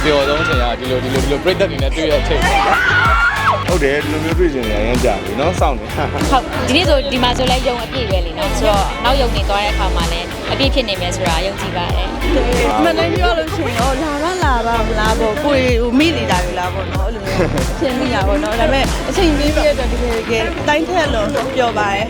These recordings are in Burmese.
ပျော်ဆုံးချိန်ကဒီလိုပြိတ္တတွေနဲ့တွေ့ရတဲ့အချိန်ဟုတ်တယ်ဒီလိုမျိုးတွေ့ကျင်နေရမ်းကြပြီเนาะစောင့်နေဟုတ်ဒီနေ့ဆိုဒီမှာဆိုလဲယုံအပြည့်ပဲလေနော်ဆိုတော့နောက်ယုံနေသွားတဲ့အခါမှာလည်းအပြည့်ဖြစ်နေမယ်ဆိုတာယုံကြည်ပါတယ်မနိုင်ပြောလို့ရှိရင်တော့လာပါမလားပေါ့ကိုယ်မိနေတာတွေလားပေါ့နော်အဲ့လိုမျိုးဖြစ်မိရပေါ့နော်ဒါပေမဲ့အချိန်ပေးပြတဲ့အတွက်တကယ်တိုင်းထက်လို့ပြောပါတယ်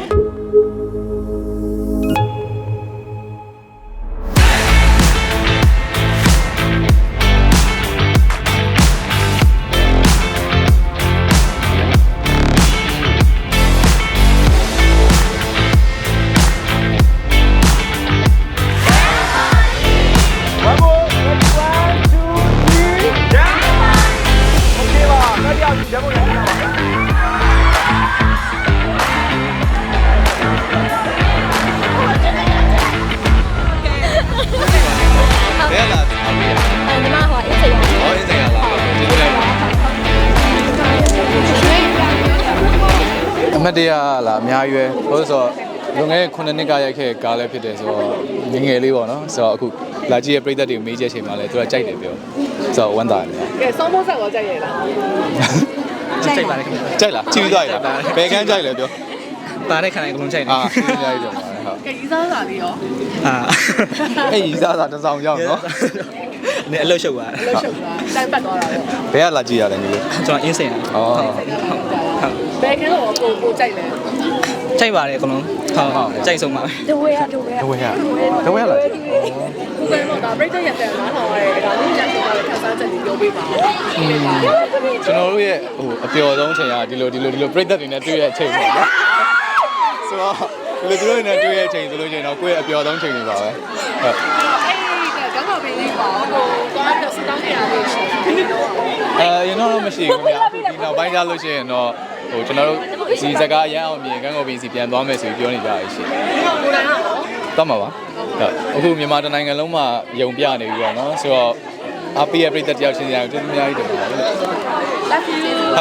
အမတ်တရားလားအများကြီးပဲဟုတ်ဆိုတော့လွန်ခဲ့တဲ့9နှစ်ကရိုက်ခဲ့ကားလည်းဖြစ်တယ်ဆိုတော့ငငယ်လေးပေါ့နော်ဆိုတော့အခုလာကြည့်ရဲ့ပြိတ္တတွေမေးချက်ချိန်မှာလည်းသူကကြိုက်တယ်ပြောဆိုတော့ဝမ်းသာတယ်ကဲစောင်းဖို့ဆက်တော့ကြိုက်ရလားကြိုက်ပါလေကြိုက်လားကြည့်ပြီးသွားရလားဘယ်ကန်းကြိုက်လဲပြောပါတဲ့ခဏအကုန်လုံးကြိုက်နေအာအများကြီးပြောပါတယ်ဟုတ်ကဲရီးစားစာလေးရောအဲ့ရီးစားစာတစ်ဆောင်ရောက်နော်နည်းအလုပ်ရှုပ်သွားအလုပ်ရှုပ်သွားတိုင်းပတ်သွားတာပေါ့ဘယ်ကလာကြည့်ရလဲညီလေးကျွန်တော်အင်းစိန်ဩဘယ်ကန်းတော့ကိုကြိုက်လဲကြိုက်ပါတယ်အကုန်လုံးဟုတ်ကြိုက်ဆုံးပါဒဝဲရလာကိုယ်ကတော့ဒါပြိတ္တရက်တယ်နားထောင်ရဲဒါလေးရက်တော့ခန်းစားချက်ကြီးပြောပေးပါကျွန်တော်တို့ရဲ့ဟိုအပျော်ဆုံးချိန်ကဒီလိုပြိတ္တတွေနဲ့တွေ့ရတဲ့အချိန်ပေါ့နော်ဆိုတော့ဒီလိုတွေနဲ့တွေ့ရတဲ့အချိန်ဆိုလို့ရှိရင်တော့ကိုယ့်ရဲ့အပျော်ဆုံးချိန်တွေပါပဲဟုတ်ကောင်းပါပြီလေးပါဟိုသွားတော့စတောင်းနေရလေးရှိရင်တော့မရှိဘူးခင်ဗျာဒီနောက်ပိုင်းကြလို့ရှိရင်တော့ဟိုကျွန်တော်တို့ဒီစကားရမ်းအောင်မြင်ကန်းကော်ပီစီပြန်သွားမယ်ဆိုပြီးပြောနေကြရရှိကိုယ်တိုင်ကတော့သွားမှာပါအခုမြန်မာတိုင်းနိုင်ငံလုံးမှာယုံပြနေပြီပေါ့နော်ဆိုတော့အပီရဲ့ပြည်သက်တယောက်ချင်းစီတိုင်းအများကြီးတင်ပါတယ်လက်ဖြူ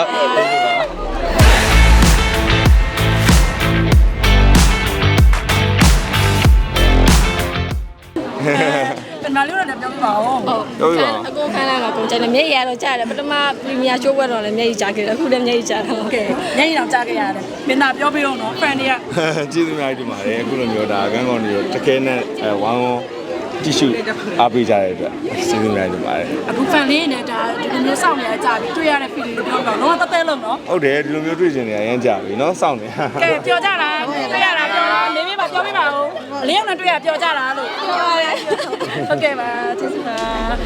ပနာလေးတော့လည်းပြောပြပါဦးဟုတ်ပြောပြပါအကုန်ခန်းလိုက်မှာကုန်ကြတယ်မျက်ရည်တော့ကြားတယ်ပထမပရီမီယာရှိုးပွဲတော့လည်းမျက်ရည်ကြားခဲ့တယ်အခုလည်းမျက်ရည်ကြားတာဟုတ်ကဲ့မျက်ရည်တော့ကြားခဲ့ရတယ်မင်းသားပြောပြအောင်နော် friend တွေကကျေးဇူးများတင်ပါတယ်အခုလိုမျိုးဒါကန်းကောင်တွေတကယ်နဲ့ဝမ်းကြည့်ရှုအားပေးကြတဲ့အတွက်ကျေးဇူးများတင်ပါတယ်အခု fan လေးနဲ့ဒါဒီလိုမျိုးစောင့်နေရကြပြီတွေ့ရတဲ့ feeling တွေပြောတော့တော့တဲလုံးနော်ဟုတ်တယ်ဒီလိုမျိုးတွေ့ကျင်နေရမ်းကြပြီเนาะစောင့်နေကဲပြောကြတာတွေ့ရတာပြောနေပြပါပြောပြပါဦးအလေးအောင်နဲ့တွေ့ရပြောကြတာလို့ပြောရတယ်ဟုတ်ကဲ့ပါကျေးဇူးပါ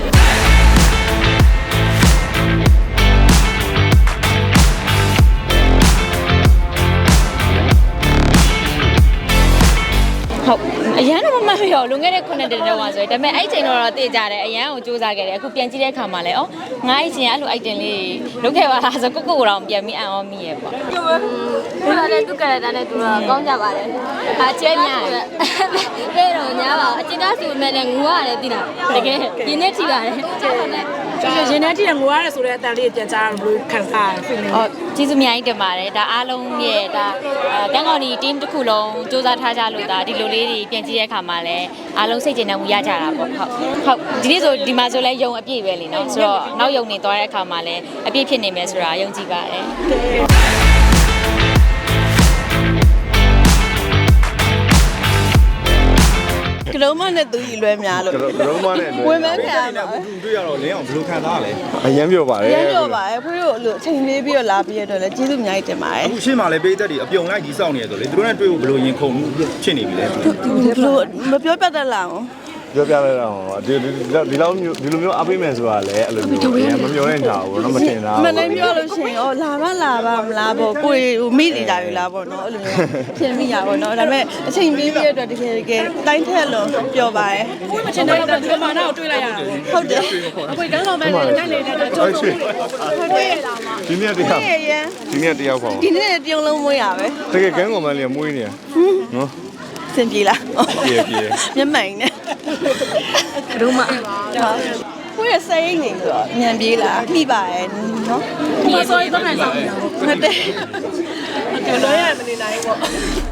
ဟုတ်အရန်တော့မမှတ်ရလွန်ခဲ့တဲ့9နှစ်တောင်မှဆိုရင်ဒါပေမဲ့အဲ့ချိန်တော့သိကြတယ်အရန်ကိုစူးစမ်းခဲ့တယ်အခုပြန်ကြည့်တဲ့အခါမှာလည်းငါ့အချိန်အဲ့လို item လေးလုပ်ခဲ့ပါလားဆိုကိုတော့ပြန်ပြီးအံ့ဩမိရဲ့ပေါ့ဒီလိုလည်းသူကလည်းတန်းနဲ့သူတော့ကောင်းကြပါတယ်အကျဲညာပဲတော့ညာပါအကျဉ်းသားစုမဲ့လည်းငူရတယ်သိလားတကယ်ရင်းနဲ့ထိပါတယ်ရင်းနဲ့ထိငိုရတယ်ဆိုတဲ့အတန်လေးပြန်ကြားလို့ခံစားရတယ် feeling ဟုတ်ကျေးဇူးအများကြီးတင်ပါတယ်ဒါအားလုံးရဲ့ဒါကန်းကော်ဒီ team တစ်ခုလုံးစူးစမ်းထားကြလို့ဒါဒီလိုလေးတွေပြန်ကြည့်တဲ့အခါမှာလည်းအားလုံးစိတ်ကျေနပ်မှုရကြတာပေါ့ဟုတ်ဒီနေ့ဆိုဒီမှာဆိုလဲယုံအပြည့်ပဲလေနော်ဆိုတော့နောက်ယုံနေသွားတဲ့အခါမှာလည်းအပြည့်ဖြစ်နေမယ်ဆိုတာယုံကြည်ပါတယ်ကလုံးမနဲ့သူကြီးလွဲများလို့ကလုံးမနဲ့ဝင်မခံရမှာတွေ့ရတော့လင်းအောင်ဘယ်လိုခံစားရလဲအရင်ပြောပါတယ်အရင်ပြောပါတယ်ဖွေးတို့အချိန်လေးပြီးတော့လာပြီးရတော့လည်းကျေးဇူးအများကြီးတင်ပါတယ်အခုရှေ့မှာလည်းပေးသက်တွေအပြုံလိုက်ကြီးစောင့်နေရဆိုလေသူတို့နဲ့တွေ့ဖို့ဘယ်လိုရင်ခုန်ဖြစ်နေပြီလဲဘယ်လိုမပြောပြတတ်လားပြောပြလိုက်တော့ဒီလိုမျိုးအားပေးမယ်ဆိုတာလည်းအဲ့လိုမျိုးမမျှော်လင့်ကြဘူးเนาะမတင်တာမနိုင်ပြောလို့ရှိရင်လာပါမလားပေါ့ကိုယ်မိနေတာတွေလားပေါ့နော်အဲ့လိုမျိုးဖြစ်မိရပေါ့နော်ဒါပေမဲ့အချိန်ပေးပြီးရတော့တကယ်တိုင်းထက်လို့ပြောပါတယ်ကိုယ်မချင်တဲ့တော့ဒီမာနာကိုတွေးလိုက်ရတာဟုတ်တယ်အခုကန်းကောင်ပဲနိုင်နေတာတော့ကျုပ်တွေ့ရတာမှာဒီနေ့တရားပေါ့ဒီနေ့တရုံလုံးမွေးရပဲတကယ်ကန်းကောင်မလေးမွေးနေရနော်စင်ပြေလားပြေမျက်မှန်နဲ့ဒုမကိုရစိတ်နေဆိုတော့ညံပြေးလာနှိပါရဲ့နော်ဒီဆိုရင်တော့နိုင်ဆောင်ဟုတ်တယ်ကဲတော့ရမနေနိုင်ဘူးပေါ့